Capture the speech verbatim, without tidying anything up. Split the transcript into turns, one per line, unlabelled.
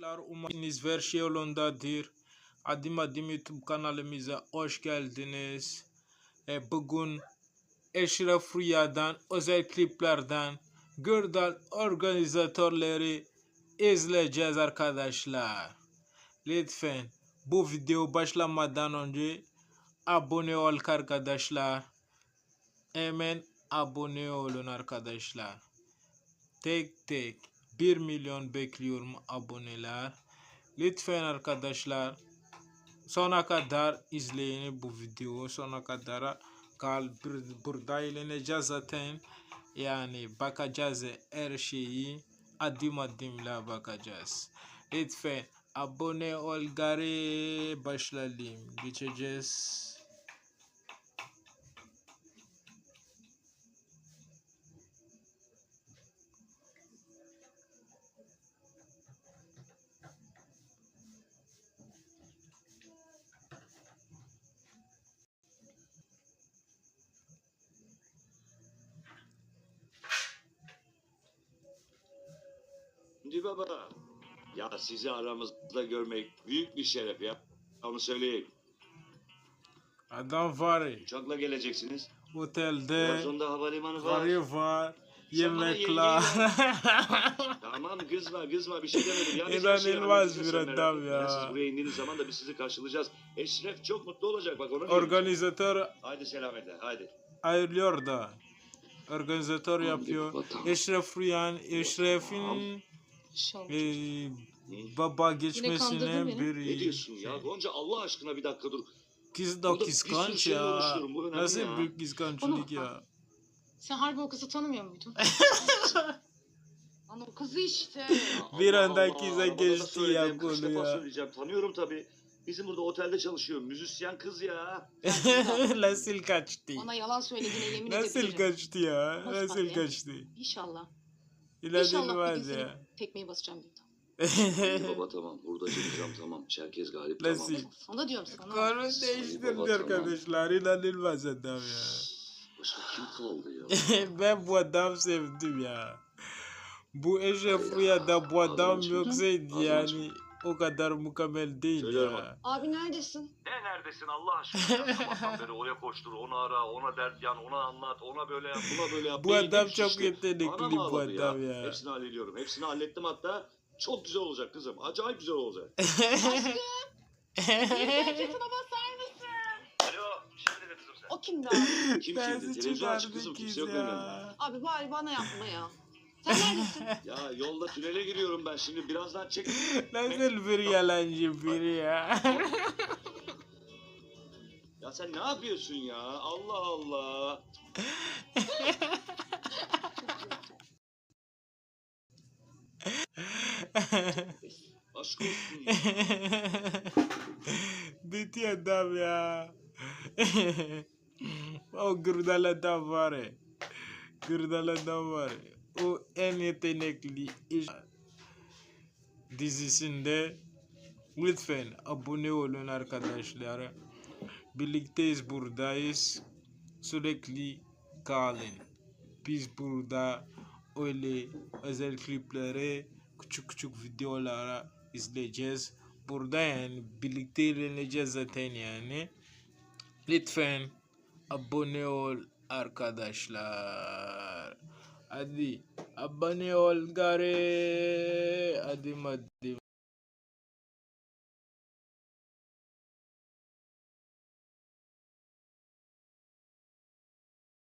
Arkadaşlar umarım her şey yolundadır. Adım adım YouTube kanalımıza hoş geldiniz. E, bugün Eşref Rüya'dan, özel kliplerden, Gürdal organizatörleri izleyeceğiz arkadaşlar. Lütfen bu video başlamadan önce abone ol arkadaşlar. Hemen abone olun arkadaşlar. Tek tek bir milyon bekliyorum aboneler. Lütfen arkadaşlar sona kadar izleyin bu videoyu, sona kadar kal. Burada eğleneceğiz zaten, yani bakacağız her şeyi, adım adımla bakacağız. Lütfen abone ol gari, başlayalım, geçeceğiz.
Şimdi baba, ya sizi aramızda görmek büyük bir şeref ya. Onu söyleyeyim.
Adam var,
Uçakla geleceksiniz.
otelde
Trabzon'da havalimanı var.
karı var,
Sen bana
yemekler.
Tamam kızma kızma, bir şey demedim. Ya,
İnanılmaz bir adam ya.
Siz buraya indiğiniz zaman da biz sizi karşılayacağız. Eşref çok mutlu olacak bak, onu
Organizatör
Haydi selametle, haydi.
ayırıyor da. Organizatör yapıyor. Eşref Rüyan, Eşref'in e, baba geçmesine bir...
Ne diyorsun ya Gonca, Allah aşkına bir dakika dur.
Kız da
Burada bir
kıskanç
sürü şeyle
ya.
uğraşıyorum, bu önemli
Nasıl
ya.
bir kıskançlık ya.
Sen harbi o kızı tanımıyor muydun? Lan o kızı işte.
Bir
Allah
anda
Allah,
kıza
arabada da
geçti ya
söyledim, kaç
konu
defa
ya.
söyleyeceğim, tanıyorum tabii. Bizim burada otelde çalışıyor, müzisyen kız ya.
Nasıl kaçtı?
Ona yalan söylediğine yemin
Nasıl
edebilirim.
kaçtı ya?
Nasıl
Nasıl
tabii?
kaçtı?
İnşallah. İnşallah bir gün
İnanılmaz
seni
ya.
tekmeyi basacağım dedi.
Baba tamam, burada çalışacağım tamam. Çerkez Galip
Nasıl?
tamam.
Sana diyorum sana.
Konu değiştirdi arkadaşlar. İnanılmaz adam ya.
Başka kim kaldı ya?
Ben bu adam sevdim ya. Bu Eşref Rüya'da bu adam yoksaydı yani o kadar mükemmel değil
Söylüyorum
ya.
Abi neredesin?
Ne neredesin Allah aşkına? Sabahtan beri oraya koştur, onu ara, ona dert yan, ona anlat, ona böyle yap, buna böyle yap.
Bu
Beyin
adam
hep
çok
şişti.
yetenekli
Anam
bu
ağladı
adam ya.
Hepsini hallediyorum. Hepsini hallettim hatta. Çok güzel olacak kızım. Acayip güzel olacak.
Gerçekten basar mısın?
Alo, şimdi de kızım sen.
O kimdi abi?
Kim
Ben
kimdi? Televizyon açık kızım.
çıkardı
Kimse
kız
yok benim yanımda.
ya.
Abi bari bana yapma ya. Sen neredesin?
Ya yolda tünele giriyorum ben şimdi. Birazdan çek.
Nasıl bir yalancı biri ya.
Ya sen ne yapıyorsun ya? Allah Allah. Aşk olsun ya.
Bitti adam ya. O Gürdal adam var ya. Gürdal adam var ya. O en yetenekli iş dizisinde. Lütfen abone olun arkadaşlar. Birlikteyiz, buradayız. Sürekli kalın. Biz burada öyle özel klipleri, küçük küçük videolara izleyeceğiz. Burada yani birlikte eğleneceğiz zaten yani. Lütfen abone ol arkadaşlar. Hadi abone ol gari. Hadi hadi.